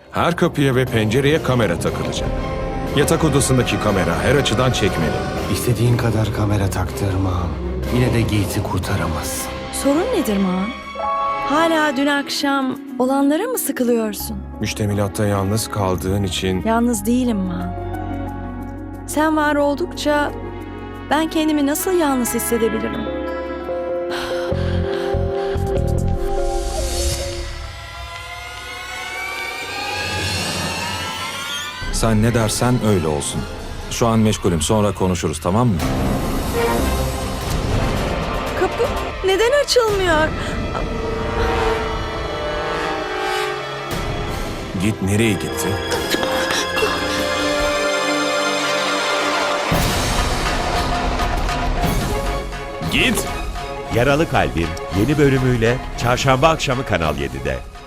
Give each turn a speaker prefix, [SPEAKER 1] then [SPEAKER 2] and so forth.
[SPEAKER 1] Her kapıya ve pencereye kamera takılacak. Yatak odasındaki kamera her açıdan çekmeli.
[SPEAKER 2] İstediğin kadar kamera taktırmam. Yine de Gates'i kurtaramazsın.
[SPEAKER 3] Sorun nedir Maan? Hala dün akşam olanlara mı sıkılıyorsun?
[SPEAKER 1] Müştemilatta yalnız kaldığın için
[SPEAKER 3] Yalnız değilim Maan. Sen var oldukça ben kendimi nasıl yalnız hissedebilirim?
[SPEAKER 4] Sen ne dersen öyle olsun. Şu an meşgulüm, sonra konuşuruz, tamam mı?
[SPEAKER 3] Kapı neden açılmıyor?
[SPEAKER 1] git nereye gitti? Git!
[SPEAKER 5] Yaralı Kalbin yeni bölümüyle Çarşamba akşamı Kanal 7'de.